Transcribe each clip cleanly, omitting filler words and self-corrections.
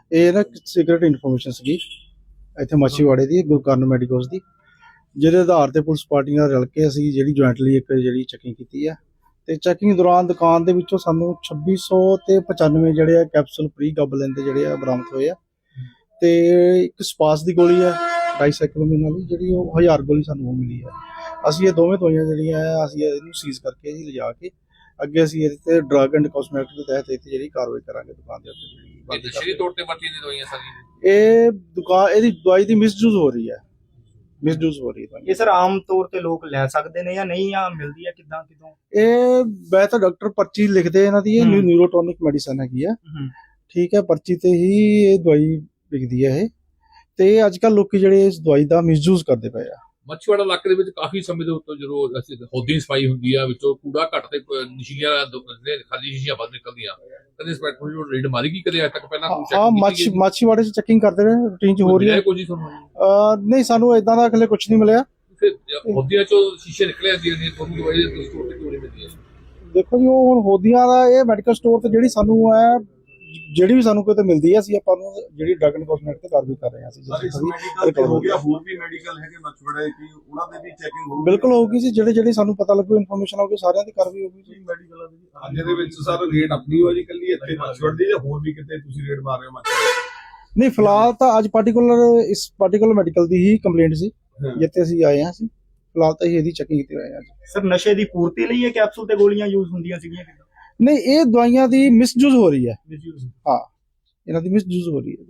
ਇਹ ਨਾ secret information ਸੀਗੀ ਇੱਥੇ ਮਾਛੀਵਾੜੇ ਦੀ ਗੁਰੂ ਕਾਰਨ ਮੈਡੀਕਲਸ ਦੀ, ਜਿਹਦੇ ਆਧਾਰ ਤੇ ਪੁਲਿਸ ਪਾਰਟੀ ਨਾਲ ਰਲ ਕੇ ਅਸੀਂ ਜਿਹੜੀ ਜੁਆਇੰਟਲੀ ਇੱਕ ਜਿਹੜੀ ਚੈਕਿੰਗ ਕੀਤੀ ਆ। ਤੇ ਚੈਕਿੰਗ ਦੌਰਾਨ ਦੁਕਾਨ ਦੇ ਵਿੱਚੋਂ ਸਾਨੂੰ 2600 ਤੇ 95 ਜਿਹੜੇ ਆ ਕੈਪਸੂਲ ਪ੍ਰੀ ਗਬਲਿਨ ਦੇ ਜਿਹੜੇ ਆ ਬਰਾਮਦ ਹੋਏ ਆ। ਤੇ ਇੱਕ ਸਪਾਸ ਦੀ ਗੋਲੀ ਆ 2.5 ਕਿਲੋਮੀਟਰ ਵਾਲੀ, ਜਿਹੜੀ ਉਹ 1000 ਗੋਲੀ ਸਾਨੂੰ ਉਹ ਮਿਲੀ ਆ। ਅਸੀਂ ਇਹ ਦੋਵੇਂ ਦਵਾਈਆਂ ਜਿਹੜੀਆਂ ਆ ਅਸੀਂ ਇਹਨੂੰ ਸੀਜ਼ ਕਰਕੇ ਜੀ ਲਿਜਾ ਕੇ ਅੱਗੇ ਅਸੀਂ ਇਹਦੇ ਤੇ ਡਰੱਗ ਐਂਡ ਕਾਸਮੈਟਿਕ ਦੇ ਤਹਿਤ ਇੱਥੇ ਜਿਹੜੀ ਕਾਰਵਾਈ ਕਰਾਂਗੇ ਦੁਕਾਨ ਦੇ ਉੱਤੇ। ਇਹ ਨਸ਼ੀਲੀ ਤੌਰ ਤੇ ਵਰਤੀਆਂ ਦੀ ਦਵਾਈਆਂ ਸਾਰੀਆਂ, ਇਹ ਦੁਕਾਨ ਇਹਦੀ ਦਵਾਈ ਦੀ ਮਿਸਯੂਜ਼ ਹੋ ਰਹੀ ਹੈ, ਮਿਸਯੂਜ਼ ਹੋ ਰਹੀ ਹੈ। ਇਹ ਸਰ ਆਮ ਤੌਰ ਤੇ ਲੋਕ ਲੈ ਸਕਦੇ ਨੇ ਜਾਂ ਨਹੀਂ, ਜਾਂ ਮਿਲਦੀ ਹੈ ਕਿੱਦਾਂ ਕਿਦੋਂ? ਇਹ ਮੈਂ ਤਾਂ ਡਾਕਟਰ ਪਰਚੀ ਲਿਖਦੇ ਇਹਨਾਂ ਦੀ, ਇਹ ਨਿਊਰੋਟੋਨਿਕ ਮੈਡੀਸਨ ਹੈਗੀ ਆ, ਠੀਕ ਹੈ, ਪਰਚੀ ਤੇ ਹੀ ਇਹ ਦਵਾਈ ਵਿਕਦੀ ਹੈ ਇਹ। ਤੇ ਅੱਜ ਕੱਲ ਲੋਕੀ ਜਿਹੜੇ ਇਸ ਦਵਾਈ ਦਾ ਮਿਸਯੂਜ਼ ਕਰਦੇ ਪਏ ਆ। ਮੱਛੀਵਾੜਾ ਇਲਾਕੇ ਦੇ ਵਿੱਚ ਕਾਫੀ ਸਮੇਂ ਦੇ ਉੱਤੇ ਜਦੋਂ ਅਸੀਂ ਹੌਦੀ ਸਫਾਈ ਹੁੰਦੀ ਆ, ਵਿੱਚੋਂ ਕੂੜਾ ਘੱਟ ਤੇ ਨਸ਼ੀਲੀਆਂ ਖਾਲੀ ਸ਼ੀਸ਼ੀਆਂ ਵੱਧ ਨਿਕਲਦੀਆਂ, ਕਦੇ ਇੰਸਪੈਕਟਰ ਨੂੰ ਰੇਡ ਮਾਰੀ ਗਈ ਕਦੇ ਅੱਜ ਤੱਕ? ਪਹਿਲਾਂ ਮਾਛੀਵਾੜੇ 'ਚ ਚੈਕਿੰਗ ਕਰਦੇ ਰਹੇ, ਰੂਟੀਨ 'ਚ ਹੋ ਰਹੀ ਹੈ। ਕੁਝ ਨਹੀਂ, ਸਾਨੂੰ ਇਦਾਂ ਦਾ ਹਲੇ ਕੁਝ ਨਹੀਂ ਮਿਲਿਆ। ਹੌਦੀਆਂ ਚੋਂ ਸ਼ੀਸ਼ੇ ਨਿਕਲੇ ਆਉਂਦੀਆਂ ਨੇ, ਤੁਹਾਨੂੰ ਦਵਾਈ ਦੇ ਸਟੋਰ ਤੇ ਕਿਉਂ ਨਹੀਂ ਮਿਲਦੀ? ਦੇਖੋ ਜੀ, ਉਹ ਹੁਣ ਹੌਦੀਆਂ ਦਾ ਇਹ ਮੈਡੀਕਲ ਸਟੋਰ ਤੇ ਜਿਹੜੀ ਸਾਨੂੰ ਹੈ, ਜਿਹੜੀ ਵੀ ਸਾਨੂੰ ਕਿਤੇ ਮਿਲਦੀ ਹੈ, ਅਸੀਂ ਆਪਾਂ ਨੂੰ ਜਿਹੜੀ ਡਰੱਗ ਐਂਡ ਕਾਸਮੈਟਿਕ ਤੇ ਕਾਰਵਾਈ ਕਰ ਰਹੇ ਹਾਂ। ਅਸੀਂ ਹੋ ਗਿਆ, ਹੋਰ ਵੀ ਮੈਡੀਕਲ ਹੈਗੇ ਮੱਛੀਵਾੜੇ ਕੀ ਉਹਨਾਂ ਦੇ ਵੀ ਚੈਕਿੰਗ ਹੋਊਗੀ? ਬਿਲਕੁਲ ਹੋਊਗੀ ਜੀ, ਜਿਹੜੇ ਸਾਨੂੰ ਪਤਾ ਲੱਗੂ ਇਨਫੋਰਮੇਸ਼ਨ ਆਊਗੀ ਸਾਰਿਆਂ ਦੀ ਕਾਰਵਾਈ ਹੋਊਗੀ ਜੀ। ਮੈਡੀਕਲ ਅੱਜ ਦੇ ਵਿੱਚ ਸਰ ਰੇਟ ਆਪਣੀ ਹੋ ਜੀ ਕੱਲੀ ਇੱਥੇ ਮੱਛੀਵਾੜੇ ਦੀ, ਜਾਂ ਹੋਰ ਵੀ ਕਿਤੇ ਤੁਸੀਂ ਰੇਟ ਮਾਰ ਰਹੇ ਹੋ ਮੱਛੀਵਾੜੇ? ਨਹੀਂ, ਫਿਲਹਾਲ ਤਾਂ ਅੱਜ ਇਸ ਪਾਰਟੀਕੂਲਰ ਮੈਡੀਕਲ ਦੀ ਹੀ ਕੰਪਲੇਂਟ ਸੀ ਜਿੱਥੇ ਅਸੀਂ ਆਏ ਹਾਂ। ਅਸੀਂ ਫਿਲਹਾਲ ਤਾਂ ਇਹਦੀ ਚੈਕਿੰਗ ਕੀਤੀ ਹੋਈ ਹੈ। ਸਰ ਨਸ਼ੇ ਦੀ ਪੂਰਤੀ ਲਈ ਇਹ ਕੈਪਸੂਲ ਤੇ ਗੋਲੀਆਂ ਯੂਜ਼ ਹੁੰਦੀਆਂ ਸੀਗੀਆਂ? ਨਹੀਂ, ਇਹ ਦਵਾਈਆਂ ਦੀ ਮਿਸਯੂਜ਼ ਹੋ ਰਹੀ ਹੈ। ਹਾਂ, ਇਹਨਾਂ ਦੀ ਮਿਸਯੂਜ਼ ਹੋ ਰਹੀ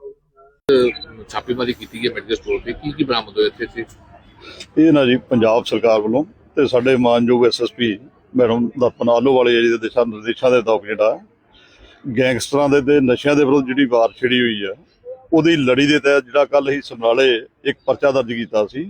ਹੈ। ਛਾਪੇਮਾਰੀ ਕੀਤੀ ਗਈ ਮੈਡੀਕਲ ਸਟੋਰ ਤੇ, ਕੀ ਬਰਾਮਦ ਹੋਇਆ ਇੱਥੇ? ਇਹ ਨਾ ਜੀ ਪੰਜਾਬ ਸਰਕਾਰ ਵੱਲੋਂ ਤੇ ਸਾਡੇ ਮਾਨਯੋਗ ਐਸਐਸਪੀ ਮੈਡਮ ਦਰਪਨ ਆਲੋਵਾਲੇ ਜੀ ਦੇ ਦਿਸ਼ਾ ਨਿਰਦੇਸ਼ਾਂ ਦੇ ਤਹਿਤ ਜਿਹੜਾ ਗੈਂਗਸਟਰਾਂ ਦੇ ਤੇ ਨਸ਼ਿਆਂ ਦੇ ਵਿਰੁੱਧ ਜਿਹੜੀ ਵਾਰ ਛਿੜੀ ਹੋਈ ਆ, ਉਹਦੀ ਲੜੀ ਦੇ ਤਹਿਤ ਜਿਹੜਾ ਕੱਲ ਹੀ ਸਮਰਾਲੇ ਇੱਕ ਪਰਚਾ ਦਰਜ ਕੀਤਾ ਸੀ।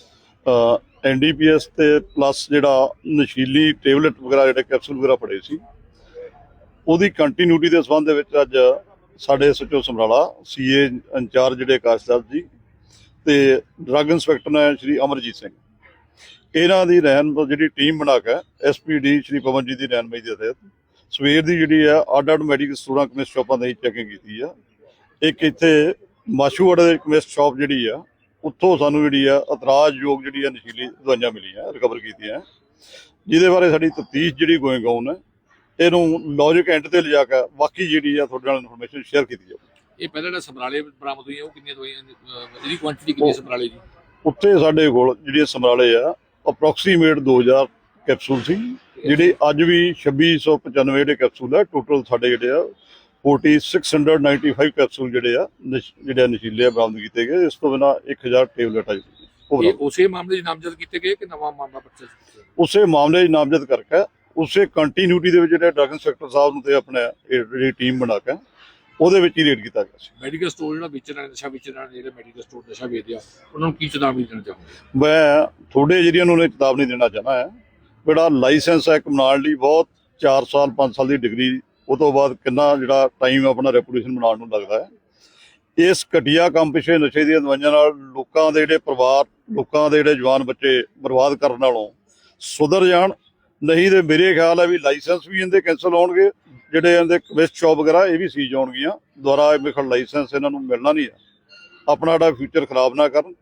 NDPS ਤੇ ਪਲੱਸ ਜਿਹੜਾ ਨਸ਼ੀਲੀ ਟੇਬਲੇਟ ਵਗੈਰਾ ਜਿਹੜੇ ਕੈਪਸੂਲ ਵਗੈਰਾ ਫੜੇ ਸੀ, ਉਹਦੀ ਕੰਟੀਨਿਊਟੀ ਦੇ ਸੰਬੰਧ ਦੇ ਵਿੱਚ ਅੱਜ ਸਾਡੇ SHO ਸਮਰਾਲਾ CA ਇੰਚਾਰਜ ਜਿਹੜੇ ਆਕਾਸ਼ਦਾਸ ਜੀ ਤੇ ਡਰੱਗ ਇੰਸਪੈਕਟਰ ਨੇ ਸ਼੍ਰੀ ਅਮਰਜੀਤ ਸਿੰਘ, ਇਹਨਾਂ ਦੀ ਜਿਹੜੀ ਟੀਮ ਬਣਾ ਕੇ SPD ਸ਼੍ਰੀ ਪਵਨਜੀਤ ਦੀ ਰਹਿਨਮਾਈ ਦੇ ਤਹਿਤ ਸਵੇਰ ਦੀ ਜਿਹੜੀ ਆ ਅੱਡ ਮੈਡੀਕਲ ਸਟੋਰਾਂ ਕੈਮਿਸਟ ਸ਼ਾਪਾਂ ਦੀ ਚੈਕਿੰਗ ਕੀਤੀ ਆ। ਇੱਕ ਇੱਥੇ ਮਾਛੀਵਾੜੇ ਦੇ ਕੈਮਿਸਟ ਸ਼ਾਪ ਜਿਹੜੀ ਆ, ਉੱਥੋਂ ਸਾਨੂੰ ਜਿਹੜੀ ਆ ਇਤਰਾਜ਼ਯੋਗ ਜਿਹੜੀ ਆ ਨਸ਼ੀਲੀ ਦਵਾਈਆਂ ਮਿਲੀਆਂ, ਰਿਕਵਰ ਕੀਤੀਆਂ, ਜਿਹਦੇ ਬਾਰੇ ਸਾਡੀ ਤਫਤੀਸ਼ ਜਿਹੜੀ ਗੋਇੰਗ ਔਨ ਹੈ। ਇਹਨੂੰ ਲੌਜਿਕ ਐਂਡ ਤੇ ਲਿਜਾ ਕੇ ਬਾਕੀ ਜਿਹੜੀ ਆ ਤੁਹਾਡੇ ਨਾਲ ਇਨਫੋਰਮੇਸ਼ਨ ਸ਼ੇਅਰ ਕੀਤੀ ਜਾਊਗੀ। ਇਹ ਪਹਿਲਾਂ ਜਿਹੜਾ ਸਮਰਾਲੇ ਬਰਾਮਦ ਹੋਈਆਂ, ਉਹ ਕਿੰਨੀਆਂ ਦਵਾਈਆਂ, ਇਹਦੀ ਕੁਆਂਟੀਟੀ ਕਿੰਨੀ ਸਮਰਾਲੇ ਦੀ? ਉੱਥੇ ਸਾਡੇ ਕੋਲ ਜਿਹੜੀਆਂ ਸਮਰਾਲੇ ਆ ਅਪਰੋਕਸੀਮੇਟ 2000 ਕੈਪਸੂਲ ਸੀ, ਜਿਹੜੇ ਅੱਜ ਵੀ 2695 ਜਿਹੜੇ ਕੈਪਸੂਲ ਆ। ਟੋਟਲ ਸਾਡੇ ਜਿਹੜੇ ਆ 4695 ਕੈਪਸੂਲ ਜਿਹੜੇ ਨਸ਼ੀਲੇ ਬਰਾਮਦ ਕੀਤੇ ਗਏ। ਇਸ ਤੋਂ ਬਿਨਾਂ 1000 ਟੇਬਲੇਟ ਆ। ਉਸੇ ਮਾਮਲੇ 'ਚ ਨਾਮਜ਼ਦ ਕੀਤੇ ਗਏ ਕਿ ਨਵਾਂ ਮਾਮਲਾ ਪਰਚਾ? ਉਸੇ ਮਾਮਲੇ 'ਚ ਨਾਮਜ਼ਦ ਕਰਕੇ ਉਸੇ ਕੰਟੀਨਿਊਟੀ ਦੇ ਵਿੱਚ ਜਿਹੜੇ ਡਰੱਗ ਇੰਸਪੈਕਟਰ ਸਾਹਿਬ ਨੂੰ ਤੇ ਆਪਣੇ ਜਿਹੜੀ ਟੀਮ ਬਣਾ ਕੇ ਉਹਦੇ ਵਿੱਚ ਹੀ ਰੇਡ ਕੀਤਾ ਗਿਆ ਸੀ। ਮੈਡੀਕਲ ਸਟੋਰ ਜਿਹੜਾ ਵੇਚਣ ਵਾਲੇ ਨਸ਼ਾ ਵੇਚਣ ਵਾਲੇ ਜਿਹੜੇ ਮੈਡੀਕਲ ਸਟੋਰ ਨਸ਼ਾ ਵੇਚਦੇ ਆ, ਉਹਨਾਂ ਨੂੰ ਕੀ ਚੇਤਾਵਨੀ ਦੇਣਾ ਚਾਹੁੰਦੇ? ਮੈਂ ਤੁਹਾਡੇ ਜਿਹੜੀਆਂ ਨੂੰ ਚੇਤਾਵਨੀ ਦੇਣਾ ਚਾਹੁੰਦਾ ਹੈ, ਜਿਹੜਾ ਲਾਇਸੈਂਸ ਹੈ ਕਮਾਉਣ ਲਈ ਬਹੁਤ 4 ਸਾਲ 5 ਸਾਲ ਦੀ ਡਿਗਰੀ, ਉਹ ਤੋਂ ਬਾਅਦ ਕਿੰਨਾ ਜਿਹੜਾ ਟਾਈਮ ਆਪਣਾ ਰੈਪੂਟੇਸ਼ਨ ਬਣਾਉਣ ਨੂੰ ਲੱਗਦਾ ਹੈ। ਇਸ ਘਟੀਆ ਕੰਮ ਪਿੱਛੇ ਨਸ਼ੇ ਦੀਆਂ ਦਵਾਈਆਂ ਨਾਲ ਲੋਕਾਂ ਦੇ ਜਿਹੜੇ ਪਰਿਵਾਰ, ਲੋਕਾਂ ਦੇ ਜਿਹੜੇ ਜਵਾਨ ਬੱਚੇ ਬਰਬਾਦ ਕਰਨ ਨਾਲੋਂ ਸੁਧਰ ਜਾਣ। ਨਹੀਂ ਤੇ ਮੇਰੇ ਖਿਆਲ ਹੈ ਵੀ ਲਾਇਸੈਂਸ ਵੀ ਇਹਦੇ ਕੈਂਸਲ ਹੋਣਗੇ, ਜਿਹੜੇ ਇਹਦੇ ਕੈਮਿਸਟ ਸ਼ਾਪ ਵਗੈਰਾ ਇਹ ਵੀ ਸੀਜ਼ ਹੋਣਗੀਆਂ ਦੁਬਾਰਾ। ਇਹ ਮੇਖਲ ਲਾਇਸੈਂਸ ਇਹਨਾਂ ਨੂੰ ਮਿਲਣਾ ਨਹੀਂ ਹੈ। ਆਪਣਾ ਜਿਹੜਾ ਫਿਊਚਰ ਖਰਾਬ ਨਾ ਕਰਨ।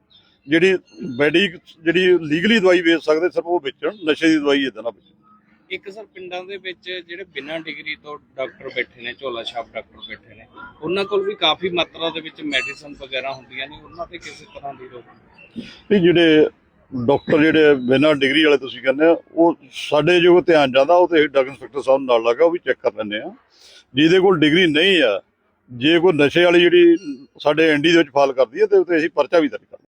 ਜਿਹੜੀ ਲੀਗਲੀ ਦਵਾਈ ਵੇਚ ਸਕਦੇ ਸਿਰਫ ਉਹ ਵੇਚਣ, ਨਸ਼ੇ ਦੀ ਦਵਾਈ ਇੱਦਾਂ ਨਾ ਵੇਚਣ। ਇੱਕ ਸਰ ਪਿੰਡਾਂ ਦੇ ਵਿੱਚ ਜਿਹੜੇ ਬਿਨਾਂ ਡਿਗਰੀ ਤੋਂ ਡਾਕਟਰ ਬੈਠੇ ਨੇ, ਝੋਲਾ ਛਾਪ ਡਾਕਟਰ ਬੈਠੇ ਨੇ, ਉਹਨਾਂ ਕੋਲ ਵੀ ਕਾਫੀ ਮਾਤਰਾ ਦੇ ਵਿੱਚ ਮੈਡੀਸਨ ਵਗੈਰਾ ਹੁੰਦੀਆਂ ਨੇ, ਉਹਨਾਂ ਤੇ ਕਿਸੇ ਤਰ੍ਹਾਂ ਦੀ ਰੋਕ? ਨਹੀਂ, ਜਿਹੜੇ ਡਾਕਟਰ ਜਿਹੜੇ ਬਿਨਾਂ ਡਿਗਰੀ ਵਾਲੇ ਤੁਸੀਂ ਕਹਿੰਦੇ ਆ, ਉਹ ਸਾਡੇ ਜੋ ਧਿਆਨ ਜਾਂਦਾ ਉਹ ਤੇ ਡਰੱਗ ਇੰਸਪੈਕਟਰ ਸਾਹਿਬ ਨਾਲ ਲੱਗਾ, ਉਹ ਵੀ ਚੈੱਕ ਕਰ ਲੈਂਦੇ ਆ। ਜਿਹਦੇ ਕੋਲ ਡਿਗਰੀ ਨਹੀਂ ਆ, ਜੇ ਕੋਈ ਨਸ਼ੇ ਵਾਲੀ ਜਿਹੜੀ ਸਾਡੇ ND ਦੇ ਵਿੱਚ ਫਾਲ ਕਰਦੀ ਹੈ ਤੇ ਉੱਤੇ ਅਸੀਂ ਪਰਚਾ ਵੀ ਦਰਜ ਕਰਦੇ।